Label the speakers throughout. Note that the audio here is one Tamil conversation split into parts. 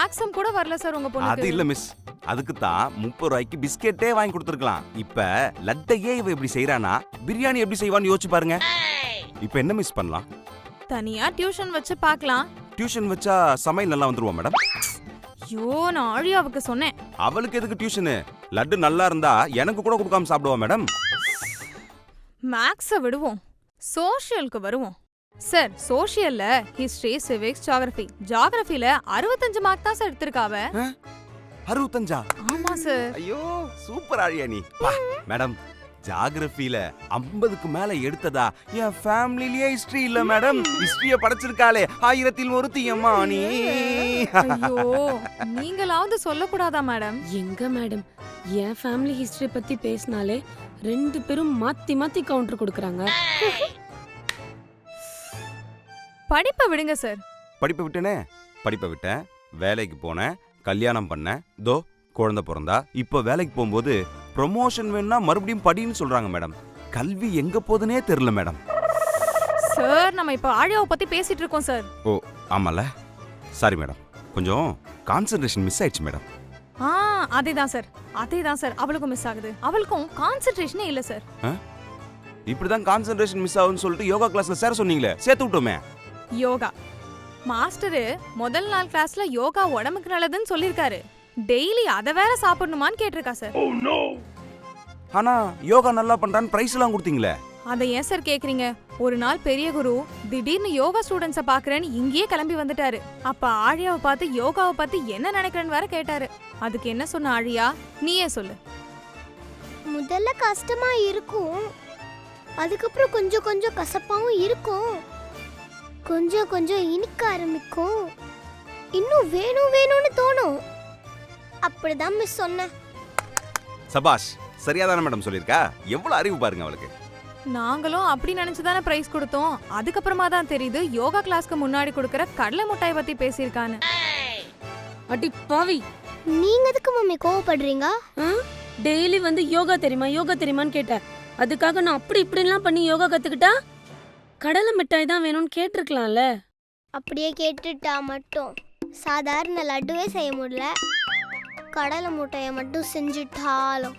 Speaker 1: மேக்ஸிமம் கூட வரல சார் உங்க பொண்ணுக்கு.
Speaker 2: அது இல்ல மிஸ், அதுக்கு தான் 30 ரூபாய்க்கு பிஸ்கெட்டே வாங்கி கொடுத்துருக்கலாம். இப்ப லட்டையே இவ இப்படி செய்யறானா பிரியாணி எப்படி செய்வான்னு யோசிச்சு பாருங்க. இப்ப என்ன மிஸ் பண்ணலாம்?
Speaker 1: தனியா டியூஷன் வச்சு பார்க்கலாம்.
Speaker 2: டியூஷன் வச்சா சமையல் நல்லா வந்துருவா மேடம்?
Speaker 1: ஐயோ, நான் ஆழியாவுக்கு சொன்னேன்.
Speaker 2: அவளுக்கு எதுக்கு டியூஷனு? லட்டு நல்லா இருந்தா எனக்கு கூட கொடுக்காம சாப்பிடுவா மேடம்.
Speaker 1: மேக்ஸ விடுவோம், சோஷியலுக்கு வருவோம். சார், சோஷியல்ல ஹிஸ்டரி, சிவிக்ஸ், ஜியோகிராஃபி. ஜியோகிராஃபில 65 மார்க் தான் சார் எடுத்திருக்காவ.
Speaker 2: 65?
Speaker 1: ஆமா சார்.
Speaker 2: ஐயோ, சூப்பர் ஆழியா நீ. மேடம், ஜியோகிராஃபில 50க்கு மேல எடுத்ததா என் ஃபேமிலியே ஹிஸ்டரி இல்ல மேடம். ஹிஸ்டரிய படிச்சிருக்காளே 1000ல் ஒருத்தி அம்மா நீ.
Speaker 1: ஐயோ, நீங்களாவது சொல்லக்கூடாதா மேடம்?
Speaker 3: எங்க மேடம், என் ஃபேமிலி ஹிஸ்டரி பத்தி பேசினாலே 2 பேரும் மாத்தி மாத்தி கவுண்டர் கொடுக்கறாங்க.
Speaker 1: படிப்பை விடுங்க சார்.
Speaker 2: படிப்பை விட்டேனே, படிப்பை விட்டேன், வேலைக்கு போனேன், கல்யாணம் பண்ணேன், தோ குழந்தை பிறந்தா. இப்போ வேலைக்கு போகும்போது ப்ரொமோஷன் வேணும்னா மறுபடியும் படின்னு சொல்றாங்க மேடம். கல்வி எங்க போகுதுனே தெரியல மேடம்.
Speaker 1: சார், நம்ம இப்ப ஆழியாவை பத்தி பேசிட்டு இருக்கோம் சார்.
Speaker 2: ஓ ஆமால, சாரி மேடம், கொஞ்சம் கான்சென்ட்ரேஷன் மிஸ் ஆயிடுச்சு மேடம்.
Speaker 1: அதேதான் சார், அதேதான் சார், அவளுக்கும் மிஸ் ஆகுது. அவளுக்கும் கான்சென்ட்ரேஷனே இல்ல சார்.
Speaker 2: இப்படிதான் கான்சென்ட்ரேஷன் மிஸ் ஆகுதுன்னு சொல்லிட்டு யோகா கிளாஸ்ல சேர சொன்னீங்களே, சேர்த்து விட்டோமே.
Speaker 1: யோகா மாஸ்டரு முதல் நாள் கிளாஸ்ல யோகா உடம்புக்கு நல்லதுன்னு சொல்லிருக்காரு. டெய்லி அத வேற சாப்பிடணுமான்னு கேட்டிருக்கா சார்.
Speaker 2: ஆனா யோகா நல்லா பண்றான்னு பிரைஸ் எல்லாம் கொடுத்தீங்களே.
Speaker 1: அதை ஏன் சார் கேக்குறீங்க? ஒரு நாள் பெரிய குரு திடீர்னு யோகா ஸ்டூடெண்ட்ஸ பாக்குறேன்னு இங்கேயே கிளம்பி வந்துட்டாரு. அப்ப ஆழியாவை பார்த்து யோகாவை பத்தி என்ன நினைக்கிறேன்னு வேற கேட்டாரு. அதுக்கு என்ன சொன்ன ஆழியா, நீயே சொல்லு.
Speaker 4: முதல்ல கஷ்டமா இருக்கும், அதுக்கப்புறம் கொஞ்சம் கொஞ்சம் கசப்பாவும் இருக்கும், கொஞ்சம் கொஞ்சம் இனிக்க ஆரம்பிக்கும், இன்னும் வேணும் வேணும்னு தோணும். அப்படிதான் மிஸ் சொன்னேன்.
Speaker 2: சபாஷ், சரியாதான மேடம் சொல்லிருக்கா. எவ்வளவு அறிவு பாருங்க அவளுக்கு.
Speaker 1: நாங்களும் அப்படி நினைச்சுதானே பிரைஸ் கொடுத்தோம். அதுக்கப்புறமா தான் தெரியுது யோகா கிளாஸ்க்கு முன்னாடி கொடுக்கற கடலை மிட்டாய் பத்தி பேசியிருக்கான்னு.
Speaker 3: அடி பாவி,
Speaker 4: நீங்க எதுக்கு மம்மி கோவப்படுறீங்க?
Speaker 3: டெய்லி வந்து யோகா தெரியுமா யோகா தெரியுமான்னு கேட்டேன். அதுக்காக நான் அப்படி இப்படிலாம் பண்ணி யோகா கத்துக்கிட்டா கடலை மிட்டாய் தான் வேணும்னு கேட்டிருக்கலாம்ல.
Speaker 4: அப்படியே கேட்டுட்டா மட்டும் சாதாரண லட்டுவே செய்ய முடியல, கடலை மிட்டாயை மட்டும் செஞ்சுட்டாலும்.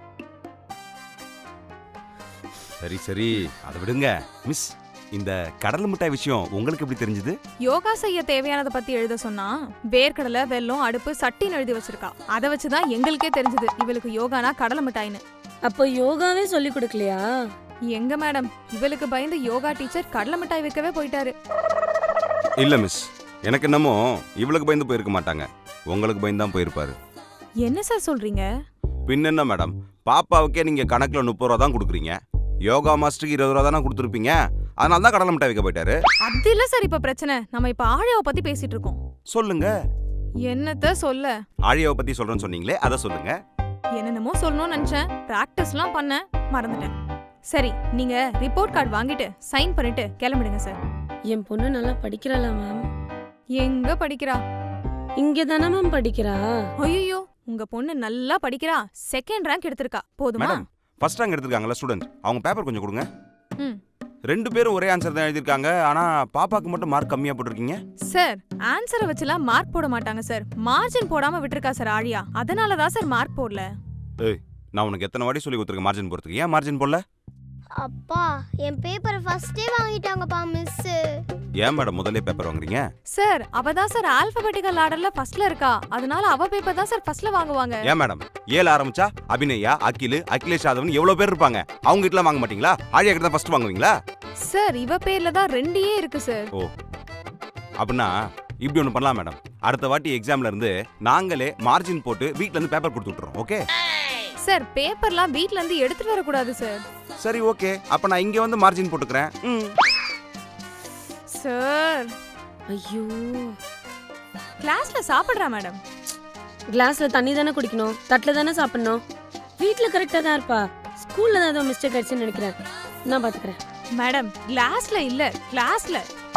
Speaker 2: சரி சரி, அதை விடுங்க மிஸ். இந்த கடலை மிட்டாய் விஷயம் உங்களுக்கு எப்படி தெரிஞ்சது?
Speaker 1: யோகா செய்ய தேவையானத பத்தி எழுத சொன்னா வேர்க்கடலை, வெல்லம், அடுப்பு, சட்டின்னு எழுதி வச்சிருக்கா. அதை வச்சுதான் எங்களுக்கே தெரிஞ்சது இவளுக்கு யோகானா கடலை மிட்டாய்னு.
Speaker 3: அப்போ யோகாவே சொல்லி கொடுக்கலையா?
Speaker 1: எங்க மேடம், இவளுக்கு பயந்து யோகா டீச்சர் கடலை மிட்டாய் வைக்கவே போயிட்டாரு.
Speaker 2: இல்ல மிஸ், எனக்கு என்னமோ இவளுக்கு பயந்து போயிருக்க மாட்டாங்க, உங்களுக்கு பயந்து தான் போயிருப்பாரு.
Speaker 1: என்ன சார் சொல்றீங்க?
Speaker 2: பின்ன மேடம், பாப்பாவுக்கே நீங்க கணக்குல 30 ரூபா தான் கொடுக்குறீங்க, யோகா மாஸ்டருக்கு 20 ரூபா தானே கொடுத்துருப்பீங்க. அதனால தான் கடலை மிட்டாய் வைக்க போயிட்டாரு.
Speaker 1: அது இல்ல சார் இப்ப பிரச்சனை. நம்ம இப்ப ஆழியாவை பத்தி பேசிட்டு இருக்கோம்.
Speaker 2: சொல்லுங்க.
Speaker 1: என்னத்த சொல்ல?
Speaker 2: ஆழியாவை பத்தி சொல்றேன்னு சொன்னீங்களே, அதை சொல்லுங்க.
Speaker 1: என்னென்னமோ சொல்லணும்னு நினைச்சேன், பிராக்டிஸ்லாம் பண்ண மறந்துட்டேன். சரி, நீங்க ரிப்போர்ட் கார்டு வாங்கிட்டு சைன் பண்ணிட்டு கிளம்பிடுங்க சார்.
Speaker 3: என் பொண்ணு நல்லா படிக்கிறாளா மேம்?
Speaker 1: எங்க படிக்கிறா?
Speaker 3: இங்க தானே மேம் படிக்கிறா.
Speaker 1: ஐயோ, உங்க பொண்ணு நல்லா படிக்கிறா. 2nd ரேங்க் எடுத்திருக்கா. போதுமா?
Speaker 2: மேடம், ஃபர்ஸ்ட் ரேங்க் எடுத்திருக்காங்கல ஸ்டூடண்ட், அவங்க பேப்பர் கொஞ்சம் கொடுங்க. 2 பேரும் ஒரே ஆன்சர் தான் எழுதிருக்காங்க, ஆனா பாப்பாக்கு மட்டும் மார்க் கம்மியா போட்டுருக்கீங்க.
Speaker 1: சார், ஆன்சரை வச்சுலாம் மார்க் போட மாட்டாங்க சார். மார்ஜின் போடாம விட்டுருக்கா சார் ஆழியா. அதனால தான் சார் மார்க் போடல.
Speaker 2: ஏய், நான் உனக்கு எத்தனை வாட்டி சொல்லி கொடுத்துருக்கேன் மார்ஜின் போறதுக்கு, ஏன் மார்ஜின் போடல?
Speaker 4: அப்பா, என் பேப்பரை ஃபர்ஸ்டே வாங்கிட்டாங்கப்பா மிஸ்.
Speaker 2: ஏன் மேடம் முதல்ல பேப்பர் வாங்குறீங்க?
Speaker 1: சார், அவ தான் சார் ஆல்பபெட்டிக்கல் ஆர்டர்ல ஃபர்ஸ்ட்ல இருக்கா. அதனால அவ பேப்பர் தான் சார் ஃபர்ஸ்ட்ல வாங்குவாங்க.
Speaker 2: ஏன் மேடம், ஏல ஆரம்பிச்சா அபிநயா, அகில், அகிலேஷ் யாதவன் எவ்வளவு பேர் இருப்பாங்க, அவங்க கிட்ட வாங்க மாட்டீங்களா? ஆழியா கிட்ட தான் ஃபர்ஸ்ட் வாங்குவீங்களா?
Speaker 1: சார், இவ பேர்ல தான் 2 இருக்கு சார்.
Speaker 2: ஓ, அப்படின்னா இப்படி ஒன்று பண்ணலாம் மேடம், அடுத்த வாட்டி எக்ஸாம்ல இருந்து நாங்களே மார்ஜின் போட்டு வீட்ல இருந்து பேப்பர் கொடுத்து விட்டுறோம். ஓகே
Speaker 1: சார், பேப்பர்லாம் வீட்ல இருந்து எடுத்துட்டு வர கூடாது சார்.
Speaker 2: சரி ஓகே, அப்ப நான் இங்க வந்து மார்ஜின் போட்டுக்கிறேன்.
Speaker 1: சார்,
Speaker 3: ஐயோ,
Speaker 1: கிளாஸ்ல சாப்பிடுறா மேடம்.
Speaker 3: கிளாஸ்ல தண்ணி தானே குடிக்கணும், தட்டுல தானே சாப்பிடணும். வீட்ல கரெக்டா தான் இருப்பா, ஸ்கூல்ல தான் ஏதோ மிஸ்டேக் ஆயிடுச்சுன்னு நினைக்கிறேன். நான் பாத்துக்கிறேன்.
Speaker 1: மேடம், கிளாஸ்ல இல்ல, கிளாஸ்ல.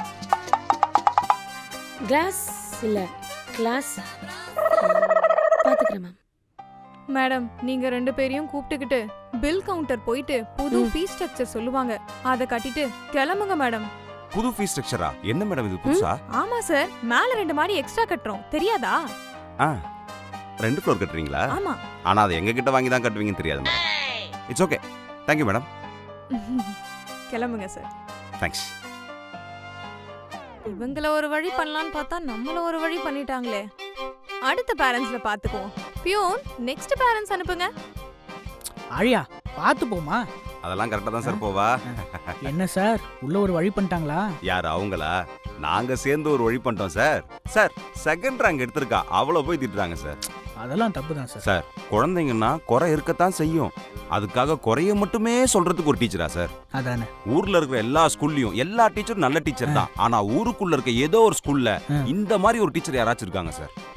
Speaker 3: கிளாஸ் இல்ல, கிளாஸ். பாத்துக்கிறேன் மேம்.
Speaker 1: மேடம், நீங்க 2 பேரையும் கூப்பிட்டுக்கிட்டு பில் கவுண்டர் போயிட்டு புது ஃபீஸ் ஸ்ட்ரக்சர் சொல்லுவாங்க, அதை கட்டிட்டு கிளம்புங்க மேடம்.
Speaker 2: புது ஃபீஸ் ஸ்ட்ரக்சரா? என்ன மேடம் இது புதுசா?
Speaker 1: ஆமா சார், மேல 2 மாடி எக்ஸ்ட்ரா கட்டுறோம், தெரியாதா?
Speaker 2: ஆ 2 ஃப்ளோர் கட்டுறீங்களா?
Speaker 1: ஆமா.
Speaker 2: ஆனா அது எங்க கிட்ட வாங்கி தான் கட்டுவீங்கன்னு தெரியாது madam. It's okay, thank you madam.
Speaker 1: கிளம்புங்க சார்.
Speaker 2: தேங்க்ஸ்.
Speaker 1: இவங்கள ஒரு வழி பண்ணலான்னு பார்த்தா நம்மள ஒரு வழி பண்ணிட்டாங்களே. அடுத்த பேரண்ட்ஸ்ல பாத்துக்குவோம். பியூன், நெக்ஸ்ட் பேரண்ட்ஸ் அனுப்புங்க.
Speaker 5: ஆழியா பார்த்து போமா.
Speaker 2: அதெல்லாம் கரெக்டா தான் சார் போவா.
Speaker 5: என்ன சார் உள்ள ஒரு வழி பண்ணிட்டாங்களா?
Speaker 2: யார் அவங்களா? நாங்க சேர்ந்து ஒரு வழி பண்ணிட்டோம் சார். சார் செகண்ட் ரேங்க் எடுத்திருக்கா, அவளை போய் திட்டுறாங்க சார்.
Speaker 5: அதெல்லாம் தப்பு தான் சார்.
Speaker 2: சார் குழந்தைங்கன்னா குறை இருக்கத்தான் செய்யும், அதுக்காக குறைய மட்டுமே சொல்றதுக்கு ஒரு டீச்சரா சார்?
Speaker 5: அதானே.
Speaker 2: ஊர்ல இருக்கிற எல்லா ஸ்கூல்லயும் எல்லா டீச்சரும் நல்ல டீச்சர் தான். ஆனா ஊருக்குள்ள இருக்க ஏதோ ஒரு ஸ்கூல்ல இந்த மாதிரி ஒரு டீச்சர் யாராச்சும் இருக்காங்க சார்?